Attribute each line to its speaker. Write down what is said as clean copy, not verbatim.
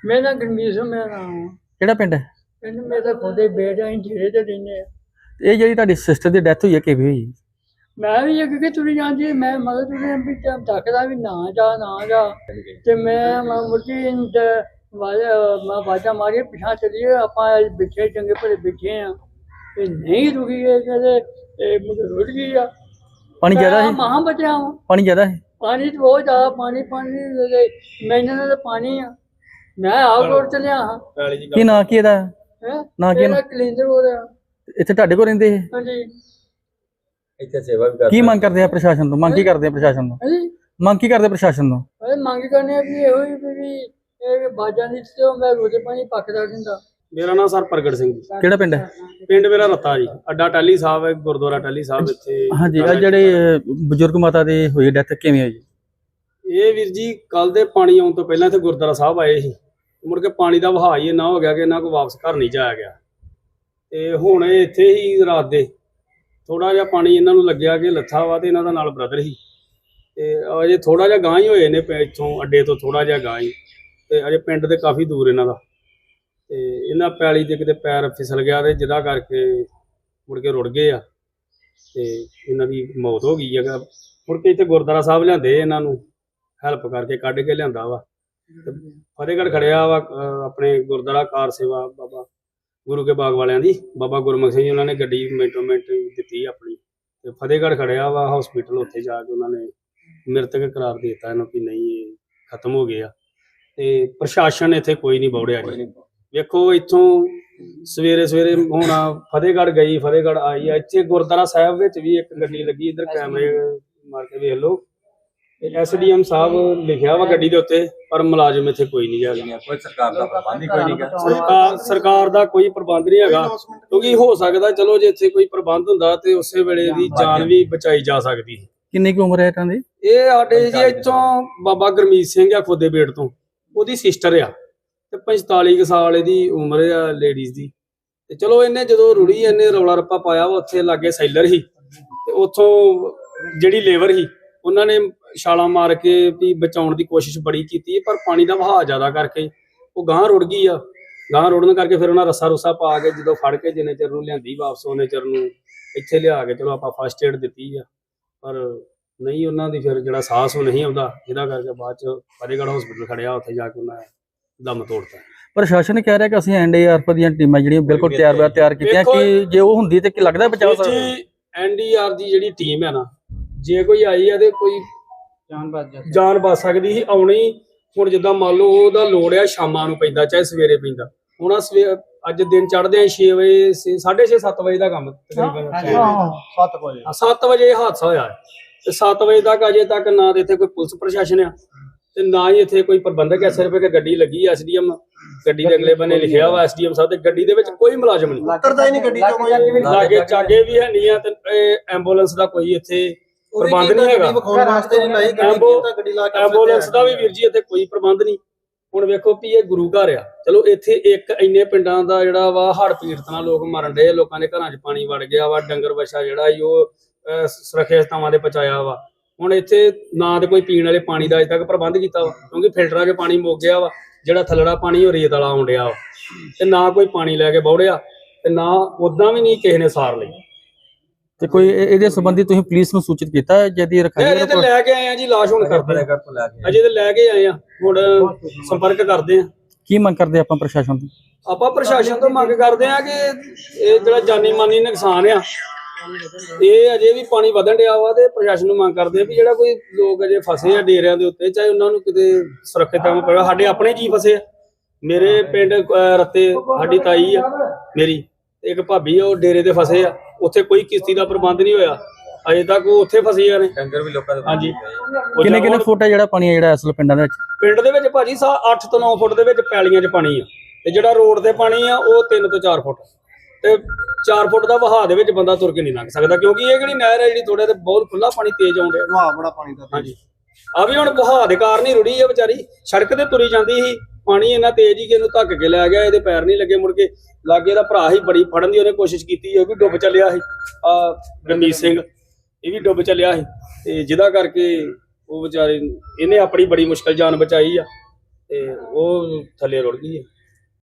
Speaker 1: ਮੇਰਾ ਗਰਮੀਤ ਸਿੰਘ ਮੇਰਾ ਨਾਮ ਆ।
Speaker 2: ਕਿਹੜਾ ਪਿੰਡ ਹੈ?
Speaker 1: ਪਿੰਡ ਮੇਰਾ ਖੁਦੇ ਬੇਟਾ ਅਸੀਂ ਜਿਹੜੇ ਤੇ ਰਹਿੰਦੇ ਆ।
Speaker 2: ਇਹ ਜਿਹੜੀ ਤੁਹਾਡੀ ਸਿਸਟਰ ਦੀ ਡੈਥ ਹੋਈ ਹੈ ਕਿਵੇਂ ਹੋਈ?
Speaker 1: ਮੈਂ ਵੀ ਅੱਗੇ ਤੁਰੀ ਜਾਂਦੀ ਮੈਂ ਮਗਰ ਤੁਰੀ ਵੀ ਟਾਈਮ ਤੱਕਦਾ ਵੀ ਨਾ ਜਾ ਤੇ ਮੈਂ ਮੁਰਜੀ ਮੈਂ ਬਾਜਾ ਮਾਰੀ ਪਿਛਾ ਚਲੀਏ ਆਪਾਂ ਬਿਠੇ ਚੰਗੇ ਭਲੇ ਬਿਠੇ ਆ ਤੇ ਨਹੀਂ ਰੁਕੀ ਕਹਿੰਦੇ ਮੁझे ਰੁੜ ਗਈ ਆ।
Speaker 2: ਪਾਣੀ ਜ਼ਿਆਦਾ ਹੈ?
Speaker 1: ਮਹਾਂ ਬਚਿਆ ਵਾਂ।
Speaker 2: ਪਾਣੀ ਜ਼ਿਆਦਾ ਹੈ?
Speaker 1: ਪਾਣੀ ਤਾਂ ਬਹੁਤ ਜ਼ਿਆਦਾ ਪਾਣੀ ਮੈਨੂੰ ਤਾਂ ਪਾਣੀ ਆ। ਮੈਂ ਆਪ ਰੋਡ ਚਲਿਆ ਹਾਂ।
Speaker 2: ਕੀ ਨਾਂ ਕੀ ਇਹਦਾ? ਨਾਂ ਕੀ?
Speaker 1: ਕਲਿੰਦਰ ਹੋ ਰਿਹਾ।
Speaker 2: ਇੱਥੇ ਤੁਹਾਡੇ ਕੋਲ ਰਹਿੰਦੇ ਇਹ?
Speaker 1: ਹਾਂਜੀ।
Speaker 3: ਇੱਥੇ ਸੇਵਾ ਵੀ ਕਰਦੇ।
Speaker 2: ਕੀ ਮੰਗ ਕਰਦੇ ਆ ਪ੍ਰਸ਼ਾਸਨ ਤੋਂ? ਮੰਗ ਕੀ ਕਰਦੇ ਆ ਪ੍ਰਸ਼ਾਸਨ ਤੋਂ?
Speaker 1: ਹਾਂਜੀ।
Speaker 2: ਮੰਗ ਕੀ ਕਰਦੇ ਪ੍ਰਸ਼ਾਸਨ ਤੋਂ?
Speaker 1: ਮੰਗ ਕਰਨੇ ਆ ਵੀ ਇਹੋ ਹੀ ਵੀ ਇਹ ਬਾਜਾਂ ਦੀ ਤੇ ਮੈਂ ਰੋਜ਼ੇ ਪਾਣੀ ਪੱਕਦਾ ਰਹਿੰਦਾ।
Speaker 4: ਮੇਰਾ ਨਾਮ ਸਰ ਪ੍ਰਗਟ ਸਿੰਘ ਜੀ।
Speaker 2: ਕਿਹੜਾ ਪਿੰਡ ਹੈ?
Speaker 4: ਪਿੰਡ ਮੇਰਾ ਰੱਤਾ ਜੀ। ਅੱਡਾ ਟਾਹਲੀ ਸਾਹਿਬ ਹੈ, ਗੁਰਦੁਆਰਾ ਟਾਹਲੀ ਸਾਹਿਬ ਇੱਥੇ।
Speaker 2: ਹਾਂਜੀ, ਆ ਜਿਹੜੇ ਬਜ਼ੁਰਗ ਮਾਤਾ ਦੀ ਹੋਈ ਡੈਥ ਕਿਵੇਂ ਹੋਈ?
Speaker 4: ਇਹ ਵੀਰ ਜੀ ਕੱਲ ਦੇ ਪਾਣੀ ਆਉਣ ਤੋਂ ਪਹਿਲਾਂ ਇੱਥੇ ਗੁਰਦੁਆਰਾ ਸਾਹਿਬ ਆਏ ਸੀ। ਮੁੜ ਕੇ ਪਾਣੀ ਦਾ ਵਹਾਅ ਹੀ ਇੰਨਾ ਹੋ ਗਿਆ ਕਿ ਇਹਨਾਂ ਕੋਲ ਵਾਪਸ ਘਰ ਨਹੀਂ ਜਾਇਆ ਗਿਆ ਤੇ ਹੁਣ ਇਹ ਇੱਥੇ ਹੀ ਰਾਤ ਦੇ ਥੋੜਾ ਜਿਹਾ ਪਾਣੀ ਇਹਨਾਂ ਨੂੰ ਲੱਗਿਆ ਕਿ ਲੱਥਾ ਵਾ ਤੇ ਇਹਨਾਂ ਦਾ ਨਾਲ ਬ੍ਰਦਰ ਸੀ ਤੇ ਅਜੇ ਥੋੜਾ ਜਿਹਾ ਗਾਂ ਹੀ ਹੋਏ ਨੇ ਇੱਥੋਂ ਅੱਡੇ ਤੋਂ ਥੋੜਾ ਜਿਹਾ ਗਾਂ ਹੀ ਤੇ ਅਜੇ ਪਿੰਡ ਦੇ ਕਾਫੀ ਦੂਰ ਇਹਨਾਂ ਦਾ ਤੇ ਇਹਨਾਂ ਪੈਲੀ ਦੇ ਕਿਤੇ ਪੈਰ ਫਿਸਲ ਗਿਆ ਤੇ ਜਿਹਦਾ ਕਰਕੇ ਮੁੜ ਕੇ ਰੁੜ ਗਏ ਆ ਤੇ ਇਹਨਾਂ ਦੀ ਮੌਤ ਹੋ ਗਈ ਹੈਗਾ। ਮੁੜ ਕੇ ਇੱਥੇ ਗੁਰਦੁਆਰਾ ਸਾਹਿਬ ਲਿਆਂਦੇ ਇਹਨਾਂ ਨੂੰ ਹੈਲਪ ਕਰਕੇ ਕੱਢ ਕੇ ਲਿਆਂਦਾ ਵਾ। ਫਤਿਹਗੜ੍ਹ ਖੜਿਆ ਵਾ ਆਪਣੇ ਗੁਰਦੁਆਰਾ ਕਾਰ ਸੇਵਾ ਬਾਬਾ ਗੁਰੂ ਕੇ ਬਾਗ ਵਾਲਿਆਂ ਦੀ ਬਾਬਾ ਗੁਰਮੁਖ ਸਿੰਘ ਜੀ ਉਹਨਾਂ ਨੇ ਗੱਡੀ ਮਿੰਟੋ ਮਿੰਟ ਦਿੱਤੀ ਆਪਣੀ ਤੇ ਫਤਿਹਗੜ੍ਹ ਖੜਿਆ ਵਾ ਹਸਪੀਟਲ। ਉੱਥੇ ਜਾ ਕੇ ਉਹਨਾਂ ਨੇ ਮ੍ਰਿਤਕ ਕਰਾਰ ਦੇ ਦਿੱਤਾ ਇਹਨੂੰ ਕਿ ਨਹੀਂ ਇਹ ਖਤਮ ਹੋ ਗਿਆ ਤੇ ਪ੍ਰਸ਼ਾਸਨ ਇੱਥੇ ਕੋਈ ਨਹੀਂ ਬੌੜਿਆ ਜੀ। ਵੇਖੋ ਇੱਥੋਂ ਸਵੇਰੇ ਸਵੇਰੇ ਹੁਣ ਫਤਿਹਗੜ੍ਹ ਗਈ ਫਤਿਹਗੜ੍ਹ ਆਈ ਆ। ਇੱਥੇ ਗੁਰਦੁਆਰਾ ਸਾਹਿਬ ਵਿੱਚ ਵੀ ਇੱਕ ਗੱਡੀ ਲੱਗੀ ਇੱਧਰ ਕੈਮਰੇ ਮਾਰ ਕੇ ਵੇਖ ਲਓ। SDM ਸਾਹਿਬ ਲਿਖਿਆ ਵਾ ਗੱਡੀ ਦੇ ਉੱਤੇ ਪਰ ਮੁਲਾਜ਼ਮ ਇੱਥੇ ਕੋਈ ਨਹੀਂ ਹੈਗਾ।
Speaker 3: ਕੋਈ ਸਰਕਾਰ ਦਾ ਪ੍ਰਬੰਧ ਹੀ ਕੋਈ ਨਹੀਂ ਗਾ।
Speaker 4: ਸਰਕਾਰ ਦਾ ਕੋਈ ਪ੍ਰਬੰਧ ਨਹੀਂ ਹੈਗਾ ਕਿਉਂਕਿ ਹੋ ਸਕਦਾ ਚਲੋ ਜੇ ਇੱਥੇ ਕੋਈ ਪ੍ਰਬੰਧ ਹੁੰਦਾ ਤੇ ਉਸੇ ਵੇਲੇ ਦੀ ਜਾਨ ਵੀ ਬਚਾਈ ਜਾ ਸਕਦੀ।
Speaker 2: ਕਿੰਨੀ ਕੁ ਉਮਰ ਹੈ ਇਹਨਾਂ ਦੀ?
Speaker 4: ਇਹ ਸਾਡੇ ਜੀ ਇੱਥੋਂ ਬਾਬਾ ਗੁਰਮੀਤ ਸਿੰਘ ਆ ਖੁਦੇ ਬੇਟ ਤੋਂ, ਉਹਦੀ ਸਿਸਟਰ ਆ ਤੇ 45 ਕੁ ਸਾਲ ਇਹਦੀ ਉਮਰ ਆ ਲੇਡੀਜ਼ ਦੀ। ਤੇ ਚਲੋ ਇਹਨੇ ਜਦੋਂ ਰੁੜੀ ਇਹਨੇ ਰੌਲਾ ਰੱਪਾ ਪਾਇਆ ਵਾ ਉੱਥੇ ਲਾਗੇ ਸੈਲਰ ਸੀ ਤੇ ਉੱਥੋਂ ਜਿਹੜੀ ਲੇਬਰ ਸੀ ਉਹਨਾਂ ਨੇ ਛਾਲਾਂ ਮਾਰ ਕੇ ਵੀ ਬਚਾਉਣ ਦੀ ਕੋਸ਼ਿਸ਼ ਬੜੀ ਕੀਤੀ ਪਰ ਪਾਣੀ ਦਾ ਵਹਾਅ ਜ਼ਿਆਦਾ ਕਰਕੇ ਉਹ ਗਾਂਹ ਰੁੜ ਗਈ ਆ। ਗਾਂਹ ਰੁੜਨ ਕਰਕੇ ਫਿਰ ਉਹਨਾਂ ਰੱਸਾ ਰੁੱਸਾ ਪਾ ਕੇ ਜਦੋਂ ਫੜ ਕੇ ਜਿੰਨੇ ਚਿਰ ਨੂੰ ਲਿਆਂਦੀ ਵਾਪਸ ਉਹਨੇ ਚਿਰ ਨੂੰ ਇੱਥੇ ਲਿਆ ਕੇ ਚਲੋ ਆਪਾਂ ਫਸਟ ਏਡ ਦਿੱਤੀ ਆ ਪਰ ਨਹੀਂ ਉਹਨਾਂ ਦੀ ਫਿਰ ਜਿਹੜਾ ਸਾਹਸ ਉਹ ਨਹੀਂ ਆਉਂਦਾ ਜਿਹਦਾ ਕਰਕੇ ਬਾਅਦ ਚ ਫਤਿਹਗੜ੍ਹ ਹਸਪੀਟਲ ਖੜਿਆ ਉੱਥੇ ਜਾ ਕੇ ਉਹਨਾਂ ਨੇ ਦਮ ਤੋੜਤਾ।
Speaker 2: ਪ੍ਰਸ਼ਾਸਨ ਕਹਿ ਰਿਹਾ ਕਿ ਅਸੀਂ NDRF ਦੀਆਂ ਟੀਮਾਂ ਜਿਹੜੀਆਂ ਬਿਲਕੁਲ ਤਿਆਰ ਕੀਤੀਆਂ ਕਿ ਜੇ ਉਹ ਹੁੰਦੀ ਤੇ ਕੀ ਲੱਗਦਾ ਬਚਾਅ ਸਕਦਾ?
Speaker 4: ਜੀ NDR ਦੀ ਜਿਹੜੀ ਟੀਮ ਹੈ ਨਾ ਜੇ ਕੋਈ ਆਈ ਆ ਤੇ ਕੋਈ ਜਾਨ ਬਚ ਸਕਦੀ ਸੀ ਆਉਣੀ। ਹੁਣ ਜਿੱਦਾਂ ਮੰਨ ਲਓ ਉਹਦਾ ਲੋੜ ਆ ਸ਼ਾਮਾਂ ਨੂੰ ਪੈਂਦਾ ਚਾਹੇ ਸਵੇਰੇ ਪੈਂਦਾ। ਹੁਣ ਅੱਜ ਦਿਨ ਚੜ੍ਹਦੇ ਆ 6 ਵਜੇ 6:30 7 ਵਜੇ ਦਾ ਕੰਮ ਤਕਰੀਬਨ 7 ਵਜੇ ਹਾਦਸਾ ਹੋਇਆ ਤੇ 7 ਵਜੇ ਤੱਕ ਅਜੇ ਤੱਕ ਨਾ ਤੇ ਇੱਥੇ ਕੋਈ ਪੁਲਿਸ ਪ੍ਰਸ਼ਾਸਨ ਆ ਤੇ ਨਾ ਹੀ ਇੱਥੇ ਕੋਈ ਪ੍ਰਬੰਧਕ ਹੈ। ਸਿਰਫ ਇੱਕ ਗੱਡੀ ਲੱਗੀ SDM ਗੱਡੀ ਦੇ ਅਗਲੇ ਬੰਨੇ ਲਿਖਿਆ ਵਾ SDM ਸਾਹਿਬ ਤੇ ਗੱਡੀ ਦੇ ਵਿੱਚ ਕੋਈ ਮੁਲਾਜ਼ਮ ਨਹੀਂ ਉਤਰਦਾ ਹੀ ਨਹੀਂ ਗੱਡੀ ਚੋਂ ਕੋਈ ਲਾਗੇ ਚਾਗੇ ਵੀ ਹੈ ਨਹੀਂ ਆ ਤੇ ਐਂਬੂਲੈਂਸ ਦਾ ਕੋਈ ਇੱਥੇ ਪ੍ਰਬੰਧ ਨਹੀਂ ਹੈਗਾ। ਐਂਬੂਲੈਂਸ ਦਾ ਵੀ ਵੀਰ ਜੀ ਇੱਥੇ ਕੋਈ ਪ੍ਰਬੰਧ ਨਹੀਂ। ਹੁਣ ਵੇਖੋ ਵੀ ਇਹ ਗੁਰੂ ਘਰ ਆ ਚਲੋ ਇੱਥੇ ਇੱਕ ਇੰਨੇ ਪਿੰਡਾਂ ਦਾ ਜਿਹੜਾ ਵਾ ਹੜ੍ਹ ਪੀੜਤ ਨਾਲ ਲੋਕ ਮਰਨ ਡਏ ਲੋਕਾਂ ਦੇ ਘਰਾਂ 'ਚ ਪਾਣੀ ਵੜ ਗਿਆ ਵਾ ਡੰਗਰ ਵੱਛਾ ਜਿਹੜਾ ਸੀ ਉਹ ਸੁਰੱਖਿਅਤ ਥਾਵਾਂ ਤੇ ਪਹੁੰਚਾਇਆ ਵਾ। ਹੁਣ ਇੱਥੇ ਨਾ ਤੇ ਕੋਈ ਪੀਣ ਵਾਲੇ ਪਾਣੀ ਦਾ ਅਜੇ ਤੱਕ ਪ੍ਰਬੰਧ ਕੀਤਾ ਵਾ ਕਿਉਂਕਿ ਫਿਲਟਰਾਂ 'ਚ ਪਾਣੀ ਮੁੱਕ ਗਿਆ ਵਾ। ਜਿਹੜਾ ਥੱਲੜਾ ਪਾਣੀ ਉਹ ਰੇਤ ਵਾਲਾ ਆਉਣ ਡਿਆ ਵਾ ਤੇ ਨਾ ਕੋਈ ਪਾਣੀ ਲੈ ਕੇ ਬੌੜਿਆ ਤੇ ਨਾ ਉਦਾਂ ਵੀ ਨਹੀਂ ਕਿਸੇ ਨੇ ਸਾਰ ਲਈ।
Speaker 2: ਤੇ ਕੋਈ ਇਹਦੇ ਸੰਬੰਧੀ ਤੁਸੀਂ ਪੁਲਿਸ ਨੂੰ ਸੂਚਿਤ ਕੀਤਾ ਜਿਹਦੀ ਰਖਾਈ
Speaker 4: ਅਜੇ ਤੇ ਲੈ ਕੇ ਆਏ ਆ ਜੀ ਲਾਸ਼ ਹੁਣ ਕਰਦੇ ਅਜੇ ਤੇ ਲੈ ਕੇ ਆਏ ਆ ਹੁਣ ਸੰਪਰਕ ਕਰਦੇ ਆ।
Speaker 2: ਕੀ ਮੰਗ ਕਰਦੇ ਆਪਾਂ ਪ੍ਰਸ਼ਾਸਨ ਤੋਂ?
Speaker 4: ਆਪਾਂ ਪ੍ਰਸ਼ਾਸਨ ਤੋਂ ਮੰਗ ਕਰਦੇ ਆ ਕਿ ਇਹ ਜਿਹੜਾ ਜਾਨੀ ਮਾਨੀ ਨੁਕਸਾਨ ਆ ਇਹ ਅਜੇ ਵੀ ਪਾਣੀ ਵਧਣ ਡਿਆ ਵਾ ਤੇ ਪ੍ਰਸ਼ਾਸਨ ਨੂੰ ਮੰਗ ਕਰਦੇ ਆ ਵੀ ਜਿਹੜਾ ਕੋਈ ਲੋਕ ਅਜੇ ਫਸੇ ਆ ਡੇਰਿਆਂ ਦੇ ਉੱਤੇ ਚਾਹੇ ਉਹਨਾਂ ਨੂੰ ਕਿਤੇ ਸੁਰੱਖਿਅਤ ਥਾਂ ਪਵੇ। ਸਾਡੇ ਆਪਣੇ ਜੀ ਫਸੇ ਆ। ਮੇਰੇ ਪਿੰਡ ਰੱਤੇ ਸਾਡੀ ਤਾਈ ਆ ਮੇਰੀ ਇੱਕ ਭਾਬੀ ਆ ਉਹ ਡੇਰੇ ਤੇ ਫਸੇ ਆ। ਉੱਥੇ ਕੋਈ ਕਿਸ਼ਤੀ ਦਾ ਪ੍ਰਬੰਧ ਨਹੀਂ ਹੋਇਆ ਅਜੇ ਤੱਕ ਉਹ ਉੱਥੇ ਫਸੀਆਂ ਨੇ
Speaker 3: ਡੰਗਰ ਵੀ ਲੋਕਾਂ ਦੇ।
Speaker 4: ਹਾਂਜੀ
Speaker 2: ਕਿੰਨੇ ਫੁੱਟ ਹੈ ਜਿਹੜਾ ਪਾਣੀ ਹੈ ਜਿਹੜਾ ਅਸਲ ਪਿੰਡਾਂ ਦੇ ਵਿੱਚ?
Speaker 4: ਪਿੰਡ ਦੇ ਵਿੱਚ ਭਾਜੀ 8 ਤੋਂ 9 ਫੁੱਟ ਦੇ ਵਿੱਚ ਪੈਲੀਆਂ 'ਚ ਪਾਣੀ ਆ ਤੇ ਜਿਹੜਾ ਰੋਡ ਤੇ ਪਾਣੀ ਆ ਉਹ 3 ਤੋਂ 4 ਫੁੱਟ ਤੇ 4 ਫੁੱਟ ਦਾ ਵਹਾਅ ਦੇ ਵਿੱਚ ਬੰਦਾ ਤੁਰ ਕੇ ਨਹੀਂ ਲੰਘ ਸਕਦਾ ਕਿਉਂਕਿ ਇਹ ਜਿਹੜੀ ਨਹਿਰ ਹੈ ਜਿਹੜੀ ਥੋੜੇ ਤੇ ਬਹੁਤ ਖੁੱਲਾ ਪਾਣੀ ਤੇਜ਼ ਆਉਂਦਾ ਵਹਾਅ ਬੜਾ ਪਾਣੀ ਦਾ। ਹਾਂਜੀ ਆ ਵੀ ਹੁਣ ਵਹਾਅ ਦੇ ਕਾਰਨ ਹੀ ਰੁੜੀ ਆ ਵਿਚਾਰੀ ਸੜਕ ਤੇ ਤੁਰੀ ਜਾਂਦੀ ਸੀ ਪਾਣੀ ਇੰਨਾ ਤੇਜ਼ ਹੀ ਕਿ ਇਹਨੂੰ ਧੱਕ ਕੇ ਲੈ ਗਿਆ। ਇਹਦੇ ਪੈਰ ਨਹੀਂ ਲੱਗੇ ਮੁੜ ਕੇ ਲਾਗੇ ਦਾ ਭਰਾ ਹੀ ਬੜੀ ਫੜਨ ਦੀ ਉਹਨੇ ਕੋਸ਼ਿਸ਼ ਕੀਤੀ ਉਹ ਵੀ ਡੁੱਬ ਚੱਲਿਆ ਸੀ ਗੁਰਮੀਤ ਸਿੰਘ ਇਹ ਵੀ ਡੁੱਬ ਚੱਲਿਆ ਸੀ ਤੇ ਜਿਹਦਾ ਕਰਕੇ ਉਹ ਵਿਚਾਰੇ ਇਹਨੇ ਆਪਣੀ ਬੜੀ ਮੁਸ਼ਕਲ ਜਾਨ ਬਚਾਈ ਆ ਤੇ ਉਹ ਥੱਲੇ ਰੁੜ ਗਈ ਹੈ।